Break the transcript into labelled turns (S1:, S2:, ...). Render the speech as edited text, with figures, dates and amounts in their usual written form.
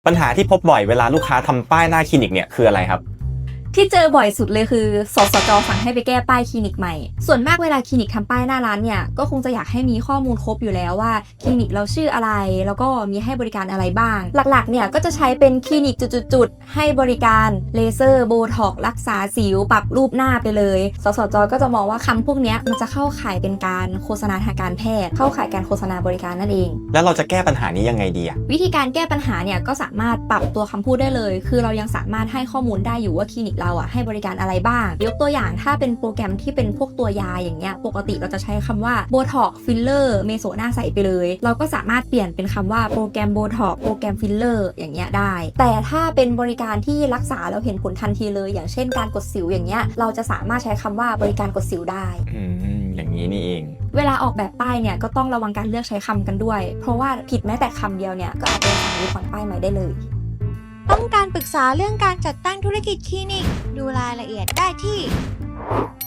S1: ปัญหาที่พบบ่อยเวลาลูกค้าทำป้ายหน้าคลินิกเนี่ยคืออะไรครับ
S2: ที่เจอบ่อยสุดเลยคือสสจ.สั่งให้ไปแก้ป้ายคลินิกใหม่ส่วนมากเวลาคลินิกทำป้ายหน้าร้านเนี่ยก็คงจะอยากให้มีข้อมูลครบอยู่แล้วว่าคลินิกเราชื่ออะไรแล้วก็มีให้บริการอะไรบ้างหลักๆเนี่ยก็จะใช้เป็นคลินิกจุดๆให้บริการเลเซอร์โบท็อกซ์รักษาสิวปรับรูปหน้าไปเลยสสจ.ก็จะมองว่าคำพวกนี้มันจะเข้าข่ายเป็นการโฆษณาทางการแพทย์เข้าข่ายการโฆษณาบริการนั่นเอง
S1: แล้วเราจะแก้ปัญหานี้ยังไงดีอะ
S2: วิธีการแก้ปัญหาเนี่ยก็สามารถปรับตัวคำพูดได้เลยคือเรายังสามารถให้ข้อมูลได้อยู่ว่าคลินิกเราให้บริการอะไรบ้างยกตัวอย่างถ้าเป็นโปรแกรมที่เป็นพวกตัวยาอย่างเงี้ยปกติเราจะใช้คำว่าโบท็อกฟิลเลอร์เมโซหน้าใสไปเลยเราก็สามารถเปลี่ยนเป็นคำว่าโปรแกรมโบท็อกโปรแกรมฟิลเลอร์อย่างเงี้ยได้แต่ถ้าเป็นบริการที่รักษาเราเห็นผลทันทีเลยอย่างเช่นการกดสิวอย่างเงี้ยเราจะสามารถใช้คำว่าบริการกดสิวได้
S1: อย่างนี้นี่เอง
S2: เวลาออกแบบป้ายเนี่ยก็ต้องระวังการเลือกใช้คำกันด้วยเพราะว่าผิดแม้แต่คำเดียวเนี่ยก็อาจจะสั่งรื้อถอนป้ายใหม่ได้เลย
S3: ต้องการปรึกษาเรื่องการจัดตั้งธุรกิจคลินิกดูรายละเอียดได้ที่